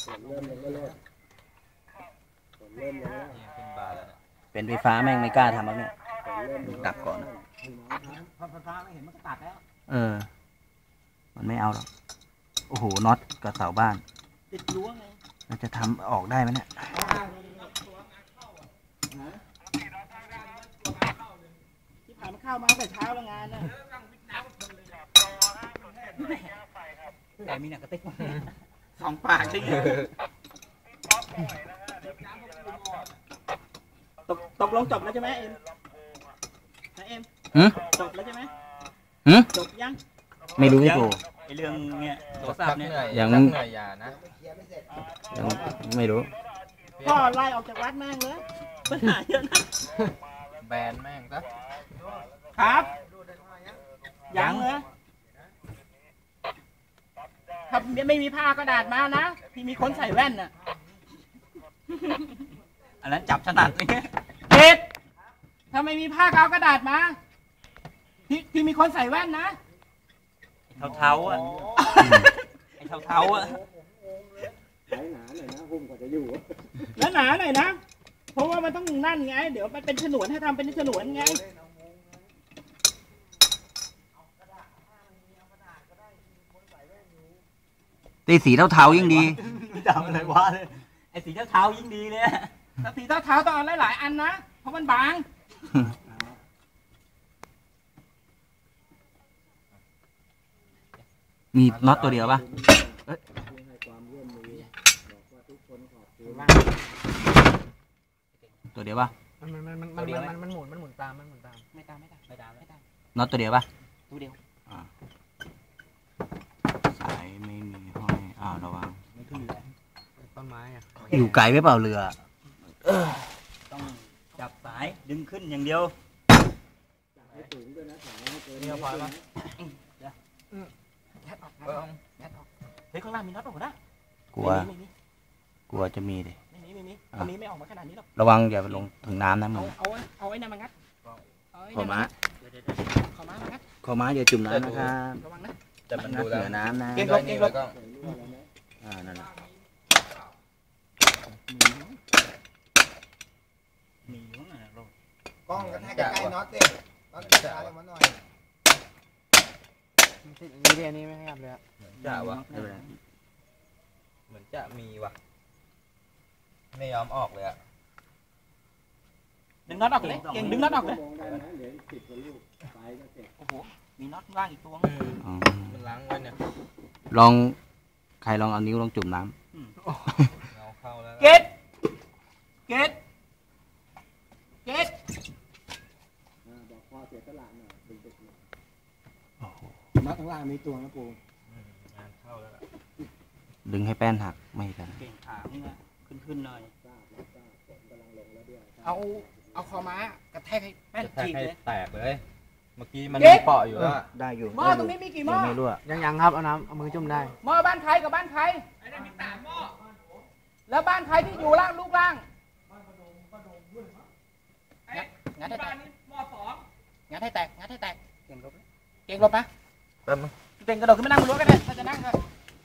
เป็นไฟฟ้าแม่งไม่กล้าทำแล้วเนี่ยดับก่อนพอไฟฟ้าไม่เห็นมันก็ตัดแล้วมันไม่เอาหรอกโอ้โหน็อตกับเสาบ้านติดรั้วไงเราจะทำออกได้ไหมเนี่ยที่ผ่านมาเข้ามาแต่เช้าแล้วงานนะแต่มีหนักกระติก2 ปากใช่ไหมตกลงจบแล้วใช่ไหมเอ็มนะเอ็มจบแล้วใช่ไหมจบยังไม่รู้พี่โกไอเรื่องเนี้ยโทรศัพท์เนี่ยยังเหนื่อยยานะยังไม่รู้พ่อไล่ออกจากวัดแม่งเลยปัญหาเยอะนะแบนแม่งซะครับยังเลยถ้าไม่มีผ้ากระดาษมานะที่มีคนใส่แว่นน่ะอันนั้นจับถนัดเลยเด็ดถ้าไม่มีผ้าเอากระดาษมาที่มีคนใส่แว่นนะเท้าอ่ะไอ้เท้าอ่ะหนาหน่อยนะหุ้มกว่าจะอยู่แล้วหนาหน่อยนะเพราะว่ามันต้องนั่นไงเดี๋ยวมันเป็นฉนวนให้ทำเป็นฉนวนไงตีสีเทาๆยิ่งดีจำอะไรวะเลยไอ้สีเทาๆยิ่งดีเลยถ้าสีเทาๆต้องเอาหลายๆอันนะเพราะมันบางมีน็อตตัวเดียวป่ะตัวเดียวป่ะมันหมุนตามไม่ตามน็อตตัวเดียวป่ะตัวเดียวสายไม่มีห้อยระวังต้นไม้อยู่ไกลไม่เปล่าเรือต้องจับสายดึงขึ้นอย่างเดียวเนี่ยพอแล้วเฮ้ยข้างล่างมีน็อตออกนะกลัวจะมีดิไม่มีไม่ออกมาขนาดนี้หรอกระวังอย่าลงถึงน้ำนะมึงเอาไอ้นั่นมางัดขอม้าอย่าจุ่มน้ำนะครับระวังนะแต่มันดูเหนือน้ำนะเก่งลบนั่นแหละมีอยู่น่ะกล้องกระแทกใกล้น็อตดิน็อตจะอะไรมาหน่อยนี่ไม่ขยับเลยจะวะเหมือนจะมีวะไม่ยอมออกเลยอะดึงน็อตออกเลยเก่งดึงน็อตออกเลยโอ้โหมีน็อตว่างอีกตัวมันล้างไว้เนี่ยใครลองเอานิ้วลองจุ่มน้ำเข้าแล้วเก็ตบอกพ่อเสียตลาดหน่อยดึกๆน็อตข้างล่างมีตัวนะปูงานเข้าแล้วล่ะดึงให้แป้นหักไม่กันเก่งขาขึ้นหน่อยเอาคอม้ากระแทกให้แป้นฉีกเลยแตกเลยเมื่อกี้มันเปาะอยู่แล้วได้อยู่หม้อตรงนี้มีกี่หม้อไม่รู้ยังครับเอามือจุ่มได้หม้อบ้านใครกับบ้านใครไอ้นั่นมี3 หม้อแล้วบ้านใครที่อยู่ล่างลูกล่างงัดให้แตกหม้อ2งัดให้แตกเก่งลบนะแป๊บนึงเก่งกระโดดขึ้นมานั่งบนรั้วก็ได้ถ้าจะนั่งก็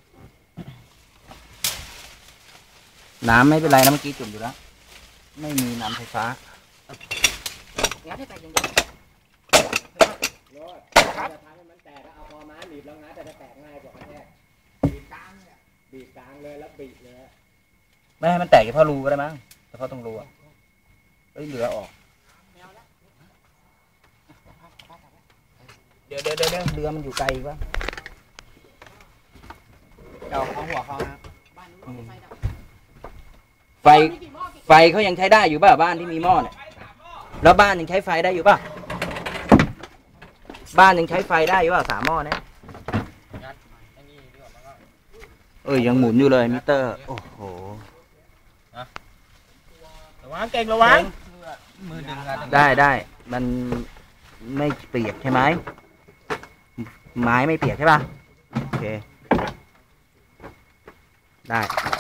น้ำไม่เป็นไรนะเมื่อกี้จุ่มอยู่แล้วไม่มีน้ำไฟฟ้างัดให้แตกอย่างเดียวครับจะทำให้มันแตกเอาคอม้าบีบแล้วงัดแต่จะแตกง่ายกว่าแค่บีบกลางเลยแล้วบีบเลยไม่ให้มันแตกเพราะรูก็ได้มั้งแต่เพราะตรงรูเหลือออกเดี๋ยวเรือมันอยู่ไกลป่ะเอาหัวเขานะไฟเขายังใช้ได้อยู่ป่ะบ้านที่มีหม้อเนี่ยแล้วบ้านยังใช้ไฟได้อยู่ป่ะบ้านยังใช้ไฟได้อยู่ป่ะ3 หม้อเนี่ยยังหมุนอยู่เลยมิเตอร์โอ้โหระวังเก่งระวังมือดึงได้มันไม่เปียกใช่ไหมไม้ไม่เปียกใช่ป่ะโอเคได้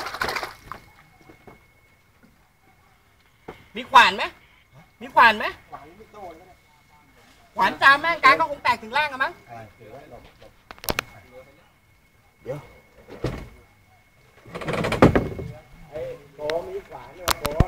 มีขวานไหมขวานจามแม่งกลางก็คงแตกถึงล่างอะมั้งเดี๋ยวที่ขวาเนี่ยโป๊ะ